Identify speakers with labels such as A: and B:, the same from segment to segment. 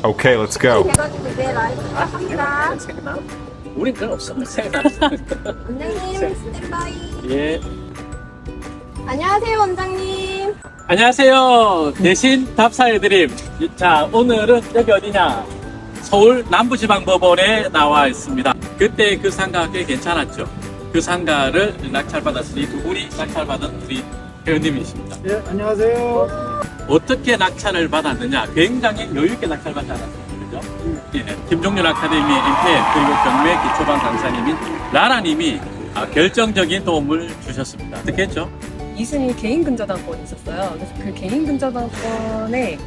A: Okay, let's go.
B: 해가지고 이제 라이브 합니다.
C: 우린 그런 없어.
B: 원장님 스탠바이.
C: 예.
B: 안녕하세요 원장님.
C: 안녕하세요. 대신 답사해드림. 자, 오늘은 여기 어디냐? 서울 남부지방법원에 나와 있습니다. 그때 그 상가가 꽤 괜찮았죠. 그 상가를 낙찰받았으니 두 분이 낙찰받은 우리 회원님이십니다.
D: 예, 안녕하세요.
C: 어떻게 낙찰을 받았느냐? 굉장히 여유있게 낙찰받지 않았습니까? 그죠? 예, 김종률 아카데미 MPM 그리고 경매 기초반 강사님인 라라님이 결정적인 도움을 주셨습니다. 어떻게 했죠?
E: 이순이 개인 근저당권이 있었어요. 그래서 그 개인 근저당권에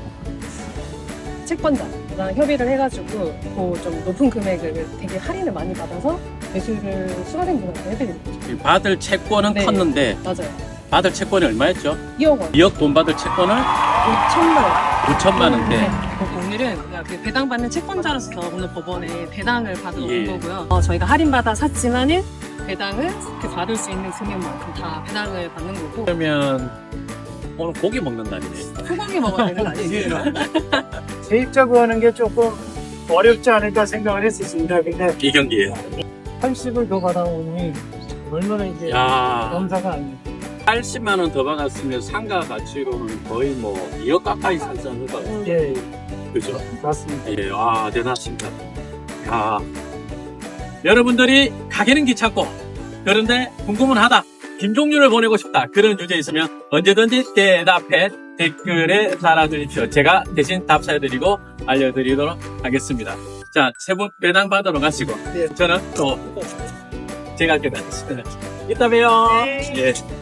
E: 채권자랑 협의를 해가지고 그 좀 높은 금액을 되게 할인을 많이 받아서 매수를 수강생 분한테 해드리는 거죠.
C: 받을 채권은
E: 네.
C: 컸는데
E: 맞아요.
C: 받을 채권이 얼마였죠?
E: 2억 원,
C: 2억 돈 받을 채권을
E: 5천만 원.
C: 5천만 원대.
E: 오늘은 그 배당받는 채권자로서 오늘 법원에 배당을 받으러
C: 예.
E: 온 거고요. 저희가 할인받아 샀지만은 배당을 그 받을 수 있는 금액만큼 다 배당을 받는 거고
C: 그러면 오늘 고기 먹는 날이네.
E: 소고기 먹어야 되는 거 아니에요?
D: 세입자 구하는 게 조금 어렵지 않을까 생각을 했었습니다. 근데
C: 이 경기에.
D: 80을 더 받아오니 얼마나 이제
C: 야,
D: 감사가 아니에요.
C: 80만 원 더 받았으면 상가 가치로는 거의 뭐 2억 가까이 살지 않을까.
D: 예,
C: 그죠?
D: 맞습니다.
C: 예, 와, 대단하십니다. 야, 여러분들이 가게는 귀찮고, 그런데 궁금은 하다. 김종률을 보내고 싶다. 그런 주제 있으면 언제든지 대답해 댓글에 달아주십시오. 제가 대신 답사해드리고 알려드리도록 하겠습니다. 자, 세 분 배당 받으러 가시고,
D: 네.
C: 저는 또 제가 깨닫습니다. 이따 봬요. 예.